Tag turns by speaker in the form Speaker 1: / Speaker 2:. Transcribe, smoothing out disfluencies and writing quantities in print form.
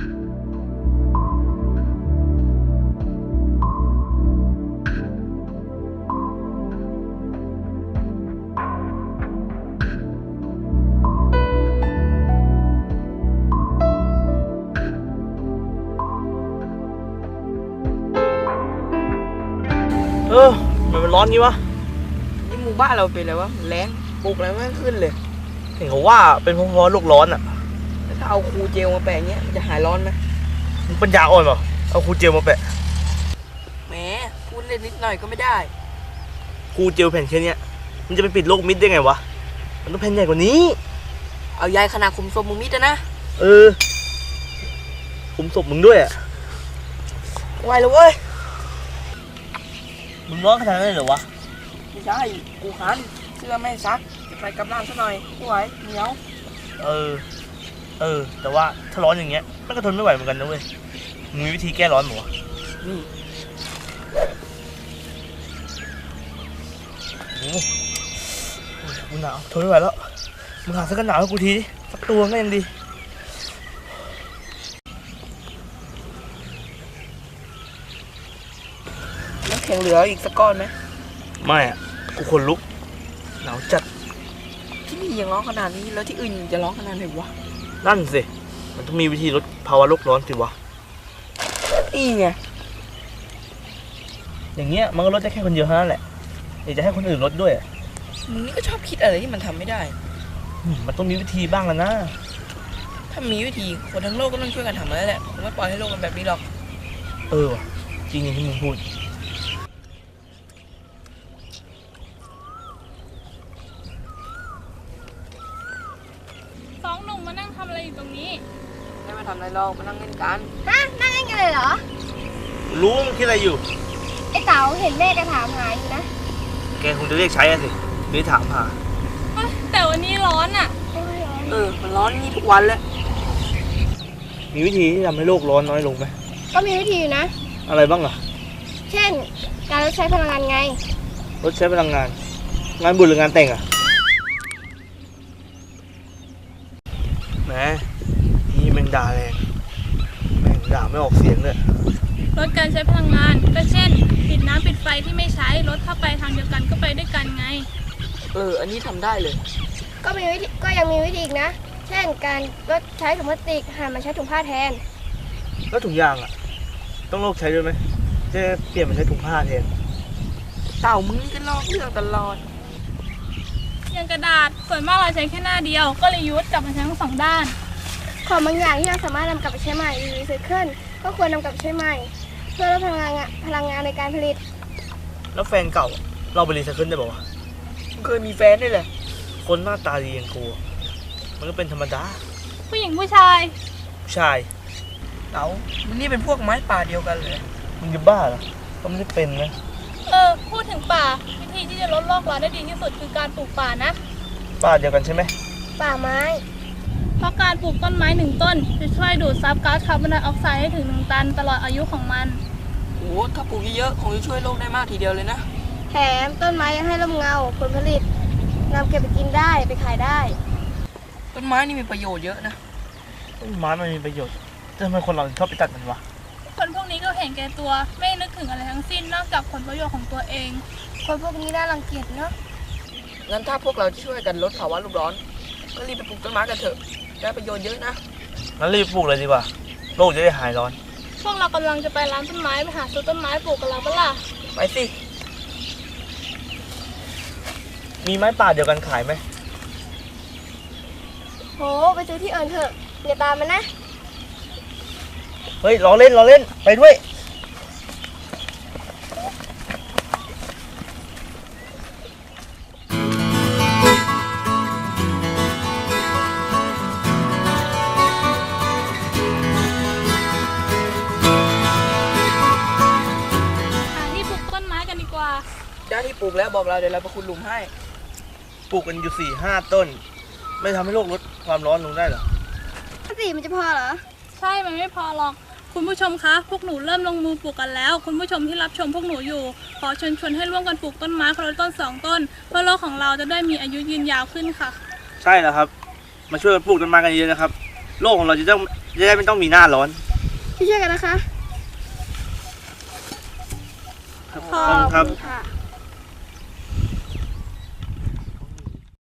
Speaker 1: มันร้อนงี้วะ
Speaker 2: นี่หมู่บ้านเราเป็นอะไรวะแรงปลูกอะไรไม่ขึ้นเลย
Speaker 1: เห็นเขาว่าเป็นเพราะโลกร้อนอ่ะ
Speaker 2: ถ้าเอาคูเจลมาแปะเงี้ยจะหายร้อนไหม
Speaker 1: มึงปัญญาอ่อนเปล่าเอาคูเจลมาแปะ
Speaker 2: แหมพูดเล่นนิดหน่อยก็ไม่ได้
Speaker 1: คูเจลแผ่นแค่นี้มันจะไปปิดโลกมิดได้ไงวะมันต้องแผ่นใหญ่กว่านี้
Speaker 2: เอายายขนาดคุมศพมึงมิดนะ
Speaker 1: คุมศพมึงด้วยอ่ะ
Speaker 2: ไหวเลยเว้ย
Speaker 1: มึงร้อนขนาดนั้นเลยเหรอวะ
Speaker 2: ไม่ใช่กูหันเสื้อไม่ซักจะไปกับน้ำซะหน่อยไม่ไหวเหนียว
Speaker 1: แต่ว่าถ้าร้อนอย่างเงี้ยมันก็ทนไม่ไหวเหมือนกันนะเว้ยมึงมีวิธีแก้ร้อนมั้ยวะ
Speaker 2: นี่
Speaker 1: โอ้กูหนาวทนไม่ไหวแล้วมึงหาเสื้อกันหนาวให้กูทีสักตัวก็ยังดี
Speaker 2: น้ำแข็งเหลืออีกสักก้อนไหม
Speaker 1: ไม่อ่ะกูขนลุกหนาวจัด
Speaker 2: ที่นี่ยังร้อนขนาดนี้แล้วที่อื่นจะร้อนขนาดไหนวะ
Speaker 1: นั่นสิมันต้องมีวิธีลดภาวะโลกร้อนสิวะ
Speaker 2: นี่ไง
Speaker 1: อย่างเงี้ยมันก็ลดได้แค่คนเดียวเท่านั้นแหละอยากจะให้คนอื่นลดด้วย
Speaker 2: มึงนี่ก็ชอบคิดอะไรที่มันทำไม่ได้
Speaker 1: มันต้องมีวิธีบ้างแล้วนะ
Speaker 2: ถ้ามีวิธีคนทั้งโลกก็ต้องช่วยกันทำแล้วแหละผมไม่ปล่อยให้โลกมันแบบนี้หรอก
Speaker 1: ว่ะจริงอย่างที่มึงพูด
Speaker 3: สองหนุ่มมานั่งทำอะไรอยู่ตรงนี้
Speaker 2: ไม่มาทำอะไรหรอกมานั่งเล่นกัน
Speaker 4: นั่งเล่นกันเลยเหรอ
Speaker 1: รู้มึงคิดอะไรอยู่
Speaker 4: ไอ้เต๋าเห็นแม่จะถามหาอยู่นะ
Speaker 1: แกคงจะเรียกใช้สิไม่ถามหา
Speaker 3: แต่วันนี้ร้อนอ่ะ
Speaker 2: มันร้อนนี่ทุกวันเลย
Speaker 1: มีวิธีที่ทำให้โลกร้อนน้อยลงไหม
Speaker 4: ก็มีวิธีอยู่นะ
Speaker 1: อะไรบ้างอ่ะ
Speaker 4: เช่นการลดใช้พลังงานไง
Speaker 1: ลดใช้พลังงานงานบุญหรืองานแต่งอ่ะแหมนี่แมงด่าแรงแมงด่าไม่ออกเสียงเลย
Speaker 3: ลดการใช้พลังงานก็เช่นปิดน้ำปิดไฟที่ไม่ใช้รถถ้าไปทางเดียวกันก็ไปด้วยกันไง
Speaker 2: อันนี้ทำได้เลย
Speaker 4: ก็ยังมีวิธีอีกนะเช่นการลดใช้ถุงพลาสติกหันมาใช้ถุงผ้าแทน
Speaker 1: แล้วถุงยางอ่ะต้องเลิกใช้ด้วยไหมจะเปลี่ยนมาใช้ถุงผ้าแทน
Speaker 2: เต่ามึงนี่ก็ลอกเรื่องตลอด
Speaker 3: อย่างกระดาษส่วนมากเราใช้แค่หน้าเดียวก็เลยยุดกลับมาใช้ทั้งสองด้าน
Speaker 4: ของบางอย่างที่เราสามารถนำกลับไปใช้ใหม่หรือรีไซเคิลก็ควรนำกลับไปใช้ใหม่เพื่อลดพลังงานในการผลิต
Speaker 1: แล้วแฟนเก่าเราไปรีไซเคิลได้ป่าวะ
Speaker 2: เคยมีแฟนด้วยแหละ
Speaker 1: คนหน้าตาดีอย่างกูมันก็เป็นธรรมดา
Speaker 3: ผู้หญิงผู้ชาย
Speaker 2: เต๋ามึงนี่เป็นพวกไม้ป่าเดียวกันเลย
Speaker 1: มึงจะบ้าเหรอก็ไม่ได้เป็นนะ
Speaker 3: พูดถึงป่าวิธีที่จะลดโลกร้อนได้ดีที่สุดคือการปลูกป่านะ
Speaker 1: ป่าเดียวกันใช่ไหม
Speaker 4: ป่าไม้
Speaker 3: เพราะการปลูกต้นไม้1 ต้นจะช่วยดูดซับก๊าซคาร์บอนไดออกไซด์ให้ถึง1 ตันตลอดอายุของมัน
Speaker 2: ถ้าปลูกเยอะๆคงจะช่วยโลกได้มากทีเดียวเลยนะ
Speaker 4: แถมต้นไม้ยังให้ร่มเงาผลผลิตนำเก็บไปกินได้ไปขายได้
Speaker 2: ต้นไม้นี่มีประโยชน์เยอะนะ
Speaker 1: ต้นไม้มันมีประโยชน์แต่ทำไมคนเราชอบไปตัดมันวะ
Speaker 3: คนพวกนี้ก็เห็นแก่ตัวไม่นึกถึงอะไรทั้งสิ้นนอกจากผลประโยชน์ของตัวเอง
Speaker 4: คนพวกนี้น่ารังเกียจเนาะ
Speaker 2: งั้นถ้าพวกเราช่วยกันลดภาวะโลกร้อนก็รีบไปปลูกต้นไม้กันเถอะได้ประโยชน์เยอะนะ
Speaker 1: งั้นรีบปลูกเลยดีกว่าโลกจะได้หายร้อน
Speaker 3: พวกเรากำลังจะไปร้านต้นไม้ไปหาซื้อต้นไม้ปลูกกันแล้วเปล่า
Speaker 2: ไปสิ
Speaker 1: มีไม้ป่าเดียวกันขายไหม
Speaker 4: โหไปซื้อที่อื่นเถอะอย่าตามมันนะ
Speaker 1: เฮ้ยรอเล่นไปด้วย
Speaker 3: ที่ปลูกต้นไม้กันดีกว่า
Speaker 2: ได้ที่ปลูกแล้วบอกเราเดี๋ยวเราไปขุดหลุมให้
Speaker 1: ปลูกกันอยู่4-5 ต้นไม่ทำให้โลกลดความร้อนลงได้หรอ
Speaker 4: มันจะพอเหรอ
Speaker 3: ใช่มันไม่พอหรอกคุณผู้ชมคะพวกหนูเริ่มลงมือปลูกกันแล้วคุณผู้ชมที่รับชมพวกหนูอยู่ขอเชิญชวนให้ร่วมกันปลูกต้นไม้คนละต้น2 ต้นเพื่อโลกของเราจะได้มีอายุยืนยาวขึ้นค่ะ
Speaker 1: ใช่แล้วครับมาช่วยกันปลูกต้นไม้กันเยอะนะครับโลกของเราจะได้ไม่ต้องมีหน้าร้อน
Speaker 4: ช่วยกันนะคะ
Speaker 1: ขอบคุณครับ
Speaker 4: ค่ะ